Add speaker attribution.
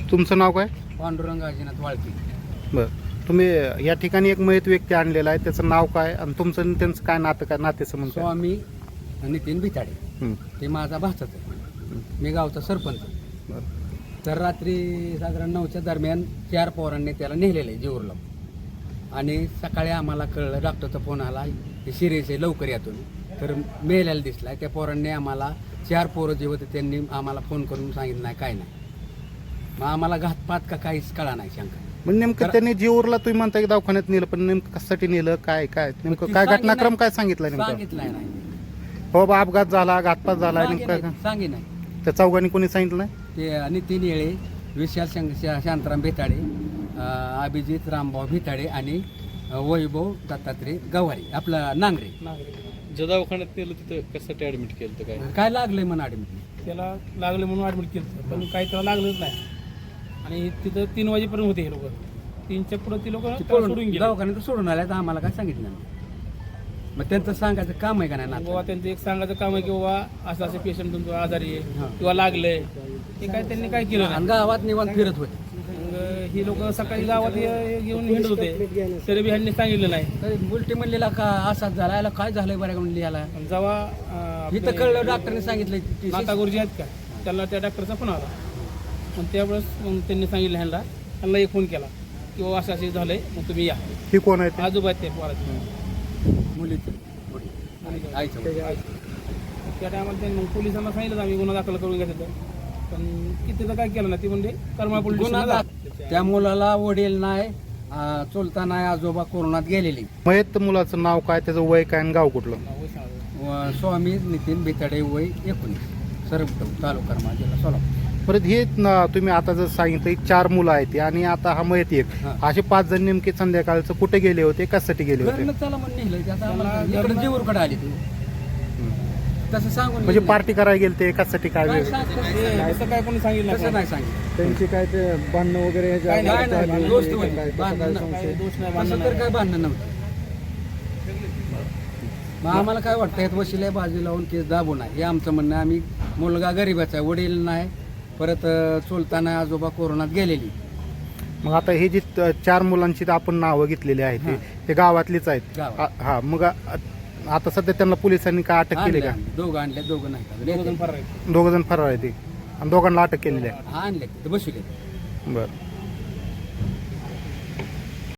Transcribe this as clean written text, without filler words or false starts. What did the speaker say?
Speaker 1: तुमचं नाव काय?
Speaker 2: पांडुरंग अजिनाथ वाळकी.
Speaker 1: बरं. तुम्ही या ठिकाणी एक मयत व्यक्ती आणलेला आहे, त्याचं नाव काय आणि तुमचं आणि त्यांचं काय नातं, काय नातेसंबंध काय?
Speaker 2: स्वामी नितीन भिताडे.
Speaker 1: हं.
Speaker 2: ते माझा भाचाच आहे. मी गावचा सरपंच.
Speaker 1: बरं.
Speaker 2: तर रात्री साधारण 9च्या दरम्यान 4 पोरांनी त्याला नेलेलं आहे जेऊरला. आणि सकाळी आम्हाला कळलं, डॉक्टरचा फोन आला, ते सिरियस आहे, लवकर यातून. तर मेलेला दिसला. त्या पोरांनी आम्हाला 4 पोरं जे होते त्यांनी आम्हाला फोन करून सांगितलं नाही, काय नाही. मग आम्हाला घातपात का काहीच कळा नाही शंका.
Speaker 1: मग नेमकं त्यांनी जीवरला तुम्ही म्हणता की दवाखान्यात नेलं, पण नेमकं कशासाठी नेलं, काय काय नेमकं काय घटनाक्रम काय सांगितलं नेमकं?
Speaker 2: सांगितलंय नाही.
Speaker 1: हो बा, अपघात झाला, घातपात झाला, नेमकं काय?
Speaker 2: सांगी नाही.
Speaker 1: त्या चौघांनी कोणी सांगितलं नाही?
Speaker 2: ते नितीन येळे, विशाल शांताराम भिताडे, अभिजित रामभाऊ भिताडे आणि वैभव दत्तात्रय गवारी, आपला नांगरे.
Speaker 3: ज्या दवाखान्यात नेलं तिथं कशासाठी ऍडमिट केलं होतं काय?
Speaker 2: काय लागलंय म्हणून ऍडमिट?
Speaker 4: त्याला लागलं म्हणून ॲडमिट केलं, पण काही त्याला लागलंच नाही. आणि तिथं 3 वाजेपर्यंत होते हे लोक. 3च्या पुढे ती लोक सोडून गेले.
Speaker 2: दवाखान्यात सोडून आल्या तर आम्हाला काय सांगितलं नाही. मग त्यांचं सांगायचं काम आहे का नाही
Speaker 4: बाबा
Speaker 2: नातं?
Speaker 4: त्यांचं एक सांगायचं काम आहे की बाबा असं असं पेशंट तुमचं आजारी आहे
Speaker 2: हां.
Speaker 4: किंवा लागलंय, ते काय त्यांनी काय केलं
Speaker 2: आणि
Speaker 4: नाही.
Speaker 2: गावात निवांत फिरत होते.
Speaker 4: मग ही लोक सकाळी गावात घेऊन हिंडत होते, तरी बी ह्यांनी सांगितलं नाही.
Speaker 2: उलटी म्हणलेला का असाच झाला, याला काय झालंय बऱ्या म्हणली याला.
Speaker 4: आणि जेव्हा
Speaker 2: इथं कळलं, डॉक्टरने सांगितलं
Speaker 4: नाता गुरुजी आहेत का, त्याला त्या डॉक्टरचा फोन आला. मग त्यावेळेस मग त्यांनी सांगितलं ह्यांना एक फोन केला की बाबा असं असं झालंय, मग तुम्ही या.
Speaker 1: ही कोण आहे ते?
Speaker 4: आजोबा आहेत ते पोराचे.
Speaker 2: मुलीचं आईचं.
Speaker 4: त्या टायमाला त्यांनी मग पोलिसांना सांगितलं आम्ही गुन्हा दाखल करून घेतलं, पण कितीचं काय केलं नाही. ती म्हणजे करमाळ पोलीस
Speaker 2: गुन्हा
Speaker 4: स्टेशनला
Speaker 2: त्या मुलाला वडील नाही, चुलता नाही, आजोबा कोरोनात गेलेले.
Speaker 1: मयत मुलाचं नाव काय, त्याचं वय काय आणि गाव कुठलं?
Speaker 2: स्वामी नितीन भिताडे, वय 19, सरपटव, तालुका करमाळ, जिल्हा सोलापूर.
Speaker 1: परत हे तुम्ही आता जर सांगितलं की 4 मुलं आहेत आणि आता हा मयत एक,
Speaker 2: हां.
Speaker 1: असे 5 जण नेमके संध्याकाळचं कुठे गेले होते, कशासाठी गेले होते?
Speaker 2: घरनं चला म्हणून नेलं. ते आता आम्हाला इकडे जेऊरकडे आले ते. तसं सांगून
Speaker 1: म्हणजे
Speaker 2: नेलं.
Speaker 1: पार्टी करायला गेले ते, कशासाठी काय
Speaker 2: काय
Speaker 1: वेळ?
Speaker 2: सांगतो?
Speaker 4: असं काय कोणी सांगितलं
Speaker 2: तसं नाही सांगितलं.
Speaker 5: त्यांची काय ते भांडणं वगैरे ह्याच्या
Speaker 4: काय
Speaker 2: नाही, नाही,
Speaker 4: नाही,
Speaker 2: दोस्त
Speaker 4: काय-
Speaker 2: होते.
Speaker 4: काय-
Speaker 2: भांडणं
Speaker 4: काय
Speaker 2: नाही.
Speaker 4: दोष नाही,
Speaker 2: असं
Speaker 4: भांडणं
Speaker 2: तर
Speaker 4: नाही.
Speaker 2: काय भांडणं नव्हतं. मग आम्हाला काय वाटतं, यात वशिला बाजू लावून केस दाबू नये हे आमचं म्हणणं आहे. आम्ही मुलगा गरीबाचा आहे, वडील नाही, परत चुलता नाही, आजोबा कोरोनात गेलेली.
Speaker 1: मग आता हे जी 4 मुलांची आपण नावं घेतलेली आहेत
Speaker 2: हां.
Speaker 1: ते गावातलीच आहेत.
Speaker 2: गावात.
Speaker 1: हा, मग आता सध्या त्यांना पोलिसांनी काय अटक केली का?
Speaker 2: दोघं आणले, दोघं नाही.
Speaker 4: दोघं जण फरार आहेत.
Speaker 1: 2 जण फरार आहेत ते आणि दोघांना अटक केलेली आहे.
Speaker 2: हा, आणले, बसू
Speaker 1: बरं.